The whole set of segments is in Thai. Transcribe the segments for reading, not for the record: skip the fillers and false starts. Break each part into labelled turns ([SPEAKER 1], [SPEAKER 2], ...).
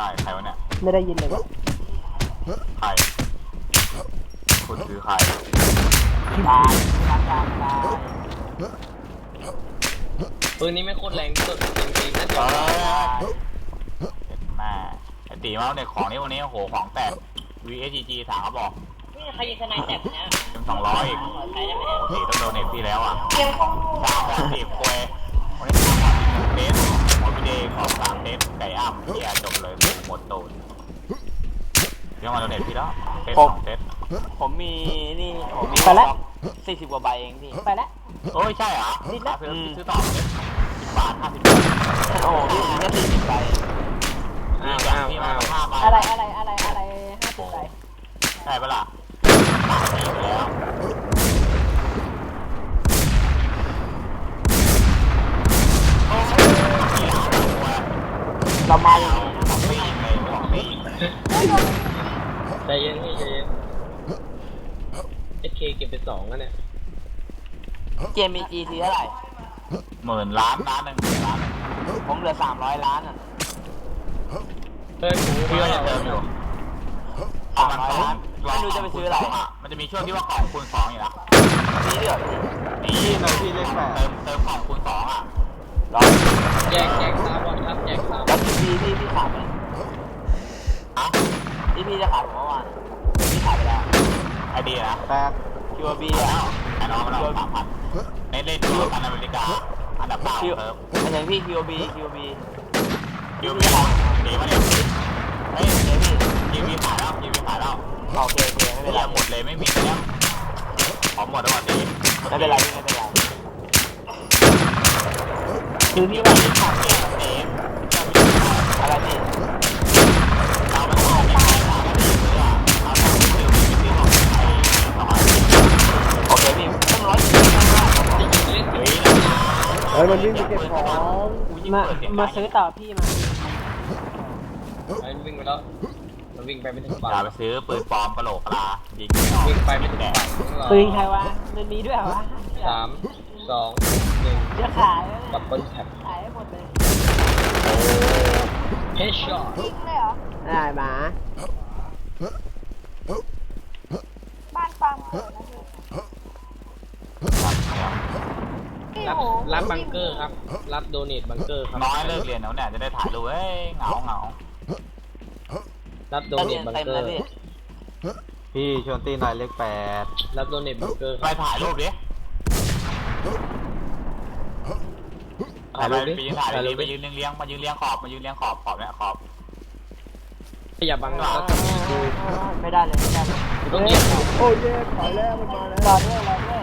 [SPEAKER 1] ช่ใครวะเนี่ย
[SPEAKER 2] ไม่ได้ยินเลยวะ
[SPEAKER 1] ใครคุณคือใคร
[SPEAKER 2] ตาย
[SPEAKER 3] ปืนนี้ไม่โคตรแรงสุดจริงๆนะเดี๋ยว
[SPEAKER 1] แม่ไอตีมาเนี่ยของนี้วันนี้โอ้โหของแตก VSG ถามเขาบอก
[SPEAKER 4] นี่ใครยิงทนายแตกเนี่ย
[SPEAKER 1] เป็น200อีกตีต้องโดนเน็ตพี่แล้วอ่ะ30ควยวันนี้เทสหมดพี่เดย์ของ3เทสไก่อ้ำพี่จบเลยหมดตูนเดี๋ยวมาโดนเน็ตพี่แล้วเทส2เทส
[SPEAKER 3] ผมมีนี่ผมมี40 กว่าใบเองพี่
[SPEAKER 2] ไปแล้ว
[SPEAKER 1] โอ้ยใช่เหรอซื้อต่อเลย10 บาท50 บาท
[SPEAKER 3] โอ้พี่แค่40 ใบ
[SPEAKER 1] พี่มา5 ใบ
[SPEAKER 2] อะไร50 ใบ
[SPEAKER 1] ใช่ปะล่ะแล้ว
[SPEAKER 2] เรามาอย่างนี้
[SPEAKER 3] ใจเย็นพี่ใจเย็นเคเก็บไป2แล้วเนี่ยเกมมีจีทีเท่าไหร่
[SPEAKER 1] 10,000 ล้าน1 0,000 ล้าน
[SPEAKER 3] ผมเหลือ300 ล้านอ่ะ
[SPEAKER 1] พี่ก็จะเติมอยู่
[SPEAKER 3] 300 ล้านไม่รู้จะไปซื้ออะไร
[SPEAKER 1] มันจะมีช่วงที่ว่าของคูณ2อยู่แล้ว
[SPEAKER 3] นี่เดี๋ยว
[SPEAKER 1] นี่หน่อยพี่เลข8เติมของคูณ2อ่ะ
[SPEAKER 3] แจกซาบอลครับแจกซาบอลพี่ขายไหมพี่จะขายผมเมื่อวานพี่ขายไปแล้ว
[SPEAKER 1] ไอเดียนะ
[SPEAKER 3] 8 QB อ่ะ
[SPEAKER 1] ไอ้น้องมันเอา3,000เล่นดูกันอเมริกาอันดับ9เติม
[SPEAKER 3] อันนี้พี่ QB
[SPEAKER 1] ดีมาเนี่ยเฮ้ยทีวีขายแล้ว
[SPEAKER 3] โอเคไม่เป็นไร
[SPEAKER 1] หมดเลยไม่มีแล้วของหมดแล้วตี
[SPEAKER 3] ไม่เป็นไร
[SPEAKER 1] คือพี่ว่าที่ขาดเนี่ยเต็ม
[SPEAKER 3] อะไรนี่
[SPEAKER 1] เราไม่ต้องไป
[SPEAKER 3] โอเคพี่ต้อง100
[SPEAKER 2] มันวิ่งไปเก็บของมาซื้อต่อพี่มา
[SPEAKER 3] วิ่งไปแล้วมันวิ่งไปไม่ถึงฝั่ง
[SPEAKER 1] อย่าไปซื้อปืนปลอมกระโหลกกระลายิง
[SPEAKER 3] วิ่งไปไม่ถึงฝั่ง
[SPEAKER 2] ปืนใครวะมันมีด้วยวะ
[SPEAKER 3] 3 2 1
[SPEAKER 2] จะขาย
[SPEAKER 3] ดับเบิ้ลแท็บ
[SPEAKER 2] ขายให้หมดเลย
[SPEAKER 3] เฮดช็อต
[SPEAKER 2] ยิงเลยเหรอได้หมา
[SPEAKER 4] บ้านฟัง
[SPEAKER 3] รับบังเกอร์ครับรับโดเนทบังเกอร์ครับ
[SPEAKER 1] น้อยเลิกเรียนแล้วเนี่ยจะได้ถ่ายรูปเฮ้ยเหงา
[SPEAKER 3] รับโดเนทบังเกอร์
[SPEAKER 5] พี่ชวนตีหน่อยเลข
[SPEAKER 3] 8รับโดเนทบังเกอร์
[SPEAKER 1] ไปถ่ายรูปดิไปยืนเลี้ยงมายืนเลี้ยงขอบเนี่ยขอบ
[SPEAKER 3] อย่าบังนะ
[SPEAKER 2] ไม่ได้เลย
[SPEAKER 3] ต้องเลี้ยง
[SPEAKER 2] โอ้ยถอยแล้วมันมาแล้วรอด้วย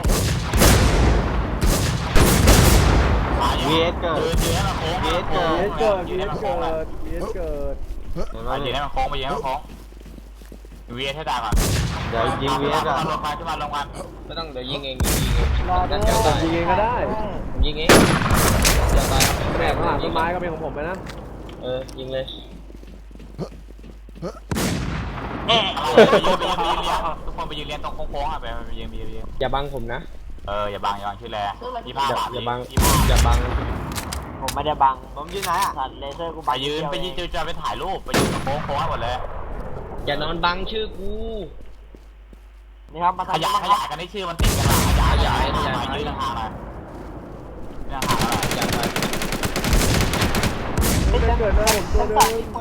[SPEAKER 5] VS เกิด
[SPEAKER 1] ยืนให้มันโค้ง
[SPEAKER 2] ยืนให้มันโค้ง
[SPEAKER 1] ไปยืนให้มันโค้งVS ให้ได้ก่อน
[SPEAKER 5] เดี๋ยวยิง VS ก่อน
[SPEAKER 1] ลงมาขึ้นมาลงมา
[SPEAKER 3] ไม่ต้องเดี๋ยวยิงเอง
[SPEAKER 2] รอด้วยยิงเองก็ได้
[SPEAKER 3] ยิงเองอย่าตาย
[SPEAKER 2] แม่ข้างหลังต้นไม้ก็เป็นของผมไปนะ
[SPEAKER 3] ยิงเลย
[SPEAKER 1] ทุกคนไปยืนเลี้ยงตรงโค้งๆอ่ะไปยืน
[SPEAKER 3] อย่าบังผมนะ
[SPEAKER 1] อย่าบังชื่อแล25 บาท
[SPEAKER 3] อย่าบังผมไม่ได้บัง
[SPEAKER 5] ผมยืนไหนอ่ะ
[SPEAKER 3] สัตว์เลเซอร์กู
[SPEAKER 1] ไปยืนจะไปถ่ายรูปไปยืนตรงโค้งหมดเลย
[SPEAKER 3] อย่านอนบังชื่อกูนี่ครับมา
[SPEAKER 1] ขยายกันได้ชื่อมันติดกันขยายยืนห่างเลย
[SPEAKER 2] ไม่เกิดเลยผมตัวเดิม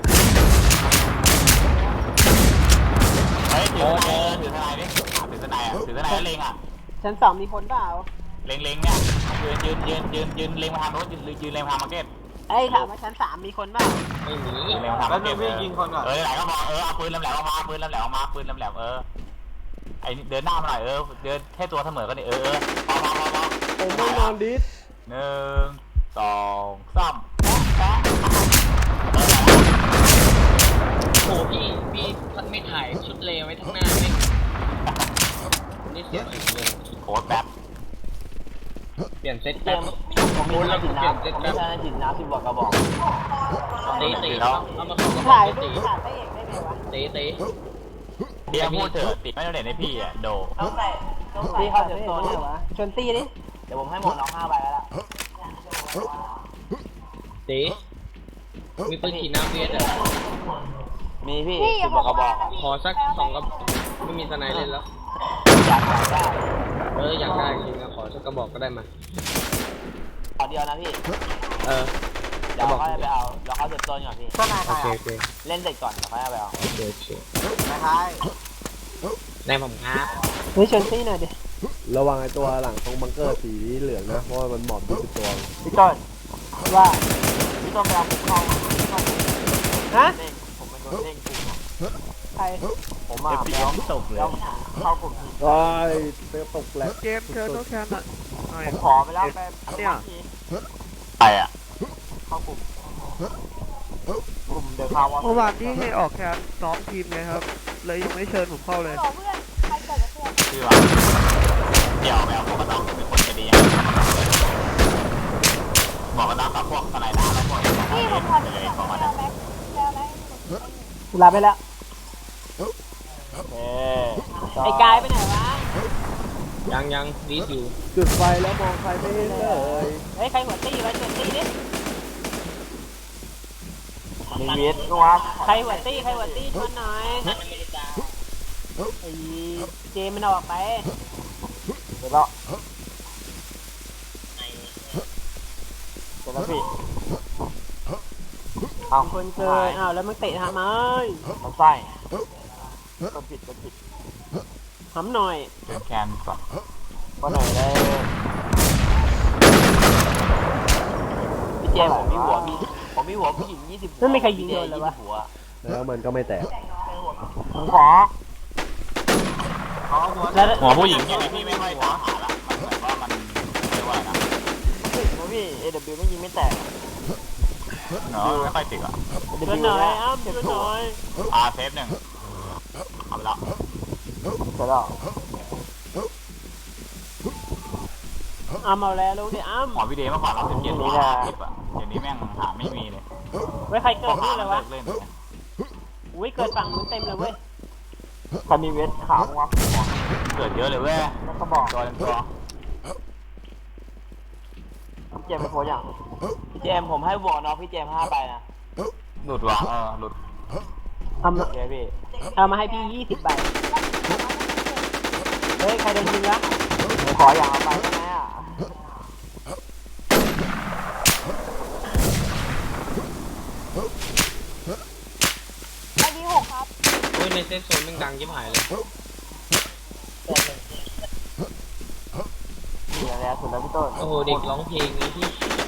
[SPEAKER 1] เฮ้ยถือทนายดิถือทนายแล้วเล็งอ่ะ
[SPEAKER 2] ชั้น2มีคนเปล่า
[SPEAKER 1] เล็งเนี่ยยืนเล็งมาทางโน้นยืนเล็งมาทางมาร์เก็ต
[SPEAKER 2] ถามว่าชั้น3มีคนเปล่า
[SPEAKER 3] ไม่มี
[SPEAKER 1] แล้วพี่ยิงคนก่อนไหลก็มาเอาปืนลำแหลมออกมาปืนลำแหลมไอเดินหน้ามาหน่อยเดินแค่ตัวเสมอกันนี่พอ
[SPEAKER 2] ผมไม่นอนดิส
[SPEAKER 1] 1 2 3
[SPEAKER 3] โอ้พี่ไม่ถ่ายชุดเลวไว้ทั้งหน้าไม่นี่เสียเลย
[SPEAKER 1] โค้ดแป๊บ
[SPEAKER 3] เปลี่ยนเซตแป๊บผมรู้แล้วผมเปลี่ยนเซตแป๊บ
[SPEAKER 2] จิตน้ำ10 กระบอก
[SPEAKER 3] ตีเอามา
[SPEAKER 2] ถ่ายรูปถ่ายไปเองได้ไหมวะ
[SPEAKER 3] ตี
[SPEAKER 1] เดี๋ยวพูดเถอะติไม่ต้องเด่นให้พี่อ่ะโด
[SPEAKER 2] พี่เขาจะโซนเหรอวะชวนตีดิ
[SPEAKER 3] เดี๋ยวผมให้หมดน้อง5 ใบแล้วล่ะตีมีปืนขี่น้ำเวียดอ่ะ
[SPEAKER 2] พี่
[SPEAKER 4] พี่อย่าบอกกระบอก
[SPEAKER 3] ขอสัก2กระบอกไม่มีสไนเล่นแล้ว
[SPEAKER 2] อยากได้
[SPEAKER 3] อยากได้จริงนะขอสักกระบอกก็ได้มา
[SPEAKER 2] ขอเดียวนะพี่
[SPEAKER 3] เออ
[SPEAKER 2] เดี๋ยวเขาจะไปเอาเดี๋ยวเขาเก็บตัวก่อนพี่
[SPEAKER 5] ก็นายใค
[SPEAKER 3] โอ
[SPEAKER 5] ร
[SPEAKER 3] เค
[SPEAKER 5] อ่ะ
[SPEAKER 3] โอเค
[SPEAKER 2] เล่นเสร็จก่อนเดี๋ยวเขาจะไปเอา
[SPEAKER 3] โอเคโอเคน
[SPEAKER 5] ายใคร
[SPEAKER 3] ในผมครับ
[SPEAKER 6] เฮ้ยเชนตี้หน่อยดิ ระวังไอ้ตัวหลังตรงบังเกอร์สีเหลืองนะ เพราะว่ามันหมอบอยู่เป็นตัว
[SPEAKER 2] พี่ต้น
[SPEAKER 6] ว่า
[SPEAKER 2] พี่ต้นไปเอาผมเข้าพี่ต้น
[SPEAKER 6] ฮะ
[SPEAKER 2] เด้งผมเป็นโดนเด้งกลุ่ม
[SPEAKER 6] ใคร
[SPEAKER 2] ผมมาแล้วตกเลยเข้ากลุ่ม
[SPEAKER 6] โอ้ยเตะตกแหละ
[SPEAKER 7] เกมเชิญโน้ตแคนอ่ะหน่อย
[SPEAKER 2] ผมขอไปแล้วไป
[SPEAKER 7] เนี่ย
[SPEAKER 1] ใครอ่ะ
[SPEAKER 2] เข้ากลุ่มกลุ่มเดอะคาวอ
[SPEAKER 7] เมื่อวานที่ให้ออกแคนซ้อมทีมไงครับ เลยยังไม่เชิญผมเข้าเลย
[SPEAKER 4] หรอเพื่อนใครเกิดกับเพื่อน
[SPEAKER 1] ชื่อว่าเดี๋ยวแมวผมก็ต้องเป็นคนจะดีบอกกันนะกับพวกสไลด์น้ำแล้วพวกนี้
[SPEAKER 4] พี่ผมขอ
[SPEAKER 1] เล
[SPEAKER 4] ที่
[SPEAKER 1] ย
[SPEAKER 4] อยาก
[SPEAKER 1] ประมาณ
[SPEAKER 4] แล้
[SPEAKER 1] นั้
[SPEAKER 4] วน แม็กแล้วแม็ก
[SPEAKER 6] ลาไปแล้ว
[SPEAKER 2] ไอ้
[SPEAKER 6] ไอ้กายไปไหนวะ
[SPEAKER 3] ยังดีอยู่
[SPEAKER 6] จุดไฟแล้วมองใครไม่เห็นเลย
[SPEAKER 2] เฮ้ยใครหัวตี้วะเจ็ดตี้ดิมีเวทก็ว่าใครหัวตี้ชวนหน่อยไอ้เจมันออกไปเดี๋ยวแล้วพี่เอา
[SPEAKER 6] คนเจออ้าวแล้วมึงเตะทำไม
[SPEAKER 2] เอาไส้กดผิด
[SPEAKER 6] ทำหน่อย
[SPEAKER 1] เป็นแคนก่อน
[SPEAKER 2] ก็หน่อยเลยพี่เจผมมีหัวผู้หญิง20
[SPEAKER 6] นั่นไม่ใครยิงโดนเลยวะ
[SPEAKER 2] หัว
[SPEAKER 6] แล้วมันก็ไม่แตก
[SPEAKER 2] ผมขอ
[SPEAKER 6] แล้ว
[SPEAKER 1] หัวผู้หญิงยังไงพี่ไม่ค่อยตามหาละมันเหมือนว่ามันไม่ว่านะ
[SPEAKER 2] ติดนะพี่ AW ไม่ยิงไม่แตก
[SPEAKER 1] เนาะไม่ค่อยติดอ่ะ
[SPEAKER 6] เพื่อนหน่อยอ้ำเพื่อนหน่อย
[SPEAKER 1] เซฟหนึ่งเอาไปแล้ว
[SPEAKER 2] เสร็จแล้ว
[SPEAKER 6] อ้ำเอาแล้วลูกดิอ้ำ
[SPEAKER 1] หมอพี่เดย์เมื่อก่อนเรา17หัว50อ่ะเดี๋ยวนี้แม่งหาไม่มีเลย
[SPEAKER 6] ไว้ใครเกิดนี่เลยวะ
[SPEAKER 1] เล่น
[SPEAKER 6] อุ้ยเกิดฝั่งนู้นเต็มเลยเว้ย
[SPEAKER 2] ใครมีเวทขาววะ
[SPEAKER 1] เกิดเยอะเลยเว้ย
[SPEAKER 2] แล้วก็บอก
[SPEAKER 1] ตัวเป็นตัว
[SPEAKER 2] พี่เจมเป็นโพอย่างพี่เจมผมให้บวกน้องพี่เจม5ไปนะ
[SPEAKER 1] หลุดว่ะหลุด
[SPEAKER 6] เอามา
[SPEAKER 2] โอเคพี่
[SPEAKER 6] เอามาให้พี่20 ใบ เฮ้ยใครโดนยิงวะ
[SPEAKER 2] ผมขออย่างเอาไปได้ไหมอ่ะ
[SPEAKER 4] ไอดีหกครับ
[SPEAKER 3] ในเซฟโซนมันดังยิ่งหายเลย
[SPEAKER 2] นี่อะไรสุดแล้วพี่ต้น
[SPEAKER 3] โอ้โหเด็กร้องเพลงเลยพี่